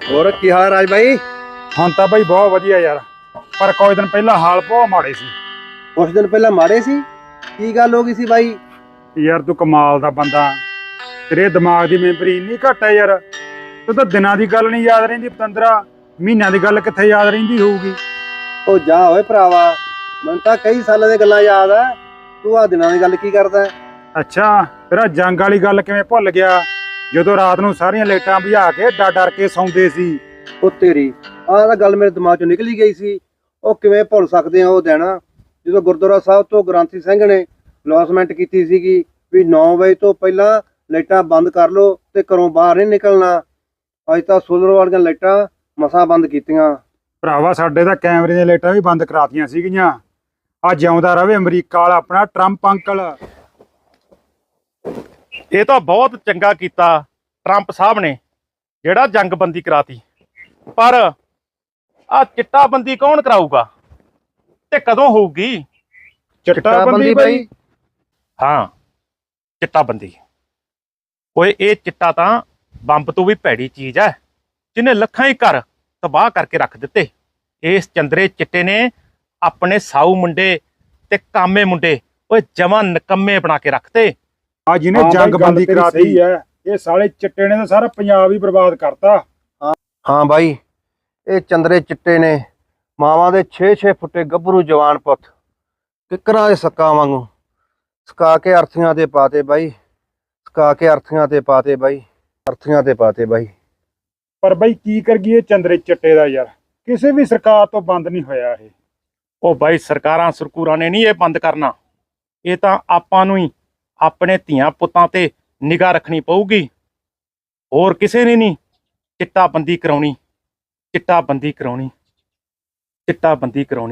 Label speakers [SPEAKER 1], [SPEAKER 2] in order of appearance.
[SPEAKER 1] ਹੋਰ ਕੀ ਹਾਲ ਰਾਜ ਬਾਈ?
[SPEAKER 2] ਹੁਣ ਤਾਂ ਬਾਈ ਬਹੁਤ ਵਧੀਆ ਯਾਰ, ਪਰ ਕੁਝ ਦਿਨ ਪਹਿਲਾਂ ਹਾਲ ਬਹੁਤ ਮਾੜੇ ਸੀ।
[SPEAKER 1] ਕੁਛ ਦਿਨ ਪਹਿਲਾਂ ਮਾੜੇ ਸੀ? ਕੀ ਗੱਲ ਹੋ ਗਈ ਸੀ ਬਾਈ?
[SPEAKER 2] ਯਾਰ ਤੂੰ ਕਮਾਲ ਦਾ ਬੰਦਾ, ਤੇਰੇ ਦਿਮਾਗ ਦੀ ਮੈਮਰੀ ਇੰਨੀ ਘੱਟ ਹੈ ਯਾਰ। ਤੂੰ ਤਾਂ ਦਿਨਾਂ ਦੀ ਗੱਲ ਨਹੀਂ ਯਾਦ ਰਹਿੰਦੀ ਪਤੰਦਰਾ, ਮਹੀਨਿਆਂ ਦੀ ਗੱਲ ਕਿੱਥੇ ਯਾਦ ਰਹਿੰਦੀ ਹੋਊਗੀ।
[SPEAKER 1] ਉਹ ਜਾ ਓਏ ਭਰਾਵਾ, ਮੈਨੂੰ ਤਾਂ ਕਈ ਸਾਲਾਂ ਦੀਆਂ ਗੱਲਾਂ ਯਾਦ ਆ। ਤੂੰ ਆ ਦਿਨਾਂ ਦੀ ਗੱਲ ਕੀ ਕਰਦਾ?
[SPEAKER 2] ਅੱਛਾ, ਤੇਰਾ ਜੰਗ ਵਾਲੀ ਗੱਲ ਕਿਵੇਂ ਭੁੱਲ ਗਿਆ, ਜਦੋਂ ਰਾਤ ਨੂੰ ਸਾਰੀਆਂ ਲਾਈਟਾਂ ਬੁਝਾ ਕੇ ਡਰ ਡਰ ਕੇ ਸੌਂਦੇ ਸੀ।
[SPEAKER 1] ਉਹ ਤੇਰੀ ਆਹ ਤਾਂ ਗੱਲ ਮੇਰੇ ਦਿਮਾਗ ਚੋਂ ਨਿਕਲ ਹੀ ਗਈ ਸੀ। ਉਹ ਕਿਵੇਂ ਭੁੱਲ ਸਕਦੇ ਆ ਉਹ ਦਿਨ, ਜਦੋਂ ਗੁਰਦੁਆਰਾ ਸਾਹਿਬ ਤੋਂ ਗ੍ਰੰਥੀ ਸਿੰਘ ਨੇ ਅਨਾਉਂਸਮੈਂਟ ਕੀਤੀ ਸੀਗੀ ਵੀ 9 ਵਜੇ ਤੋਂ ਪਹਿਲਾਂ ਲਾਈਟਾਂ ਬੰਦ ਕਰ ਲਓ ਤੇ ਘਰੋਂ ਬਾਹਰ ਨਹੀਂ ਨਿਕਲਣਾ। ਅੱਜ ਤਾਂ ਸੋਲਰ ਵਾਲੀਆਂ ਲਾਈਟਾਂ ਮਸਾਂ ਬੰਦ ਕੀਤੀਆਂ।
[SPEAKER 2] ਭਰਾਵਾ ਸਾਡੇ ਤਾਂ ਕੈਮਰੇ ਦੀਆਂ ਲਾਈਟਾਂ ਵੀ ਬੰਦ ਕਰਾਤੀਆਂ ਸੀਗੀਆਂ। ਆ ਜਿਉਂਦਾ ਰਵੇ ਅਮਰੀਕਾ ਵਾਲਾ ਆਪਣਾ ਟਰੰਪ ਅੰਕਲ।
[SPEAKER 3] ਇਹ ਤਾਂ ਬਹੁਤ ਚੰਗਾ ਕੀਤਾ ਟਰੰਪ ਸਾਹਿਬ ਨੇ, ਜਿਹੜਾ ਜੰਗਬੰਦੀ ਕਰਾਤੀ। ਪਰ ਆ ਚਿੱਟਾਬੰਦੀ ਕੌਣ ਕਰਾਊਗਾ ਤੇ ਕਦੋਂ ਹੋਊਗੀ?
[SPEAKER 2] ਚਿੱਟਾਬੰਦੀ ਬਾਈ?
[SPEAKER 3] ਹਾਂ, ਚਿੱਟਾਬੰਦੀ। ਓਏ ਇਹ ਚਿੱਟਾ ਤਾਂ ਬੰਬ ਤੋਂ ਵੀ ਭੈੜੀ ਚੀਜ਼ ਹੈ, ਜਿਹਨੇ ਲੱਖਾਂ ਹੀ ਘਰ ਤਬਾਹ ਕਰਕੇ ਰੱਖ ਦਿੱਤੇ। ਇਸ ਚੰਦਰੇ ਚਿੱਟੇ ਨੇ ਆਪਣੇ ਸਾਊ ਮੁੰਡੇ ਤੇ ਕਾਮੇ ਮੁੰਡੇ ਓਏ ਜਮਾਂ ਨਕੰਮੇ ਬਣਾ ਕੇ ਰੱਖਤੇ।
[SPEAKER 2] ਆ ਜਿਹਨੇ ਜੰਗਬੰਦੀ ਕਰਾਤੀ ਹੈ, ਇਹ ਸਾਲੇ ਚਿੱਟੇ ਨੇ ਤਾਂ ਸਾਰਾ ਪੰਜਾਬ ਹੀ ਬਰਬਾਦ ਕਰਤਾ।
[SPEAKER 1] ਹਾਂ ਬਾਈ, ਇਹ ਚੰਦਰੇ ਚਿੱਟੇ ਨੇ ਮਾਵਾਂ ਦੇ 6-6 ਫੁੱਟੇ ਗੱਭਰੂ ਜਵਾਨ ਪੁੱਤ ਕਿੱਕਰਾਂ ਦੇ ਸੱਕਾਂ ਵਾਂਗੂ ਸਕਾ ਕੇ ਅਰਥੀਆਂ ਤੇ ਪਾਤੇ ਬਾਈ, ਸਕਾ ਕੇ ਅਰਥੀਆਂ ਤੇ ਪਾਤੇ ਬਾਈ, ਅਰਥੀਆਂ ਤੇ ਪਾਤੇ ਬਾਈ।
[SPEAKER 2] ਪਰ ਬਾਈ ਕੀ ਕਰੀਏ ਚੰਦਰੇ ਚਿੱਟੇ ਦਾ ਯਾਰ, ਕਿਸੇ ਵੀ ਸਰਕਾਰ ਤੋਂ ਬੰਦ ਨਹੀਂ ਹੋਇਆ ਇਹ।
[SPEAKER 3] ਉਹ ਬਾਈ ਸਰਕਾਰਾਂ ਸਰਕੂਰਾਂ ਨੇ ਨਹੀਂ ਇਹ ਬੰਦ ਕਰਨਾ, ਇਹ ਤਾਂ ਆਪਾਂ ਨੂੰ ਹੀ ਆਪਣੇ ਧੀਆਂ ਪੁੱਤਾਂ ਤੇ ਨਿਗਾਹ ਰੱਖਣੀ ਪਊਗੀ। ਹੋਰ ਕਿਸੇ ਨੇ ਨਹੀਂ ਚਿੱਟਾਬੰਦੀ ਕਰਾਉਣੀ, ਚਿੱਟਾਬੰਦੀ ਕਰਾਉਣੀ, ਚਿੱਟਾਬੰਦੀ ਕਰਾਉਣੀ।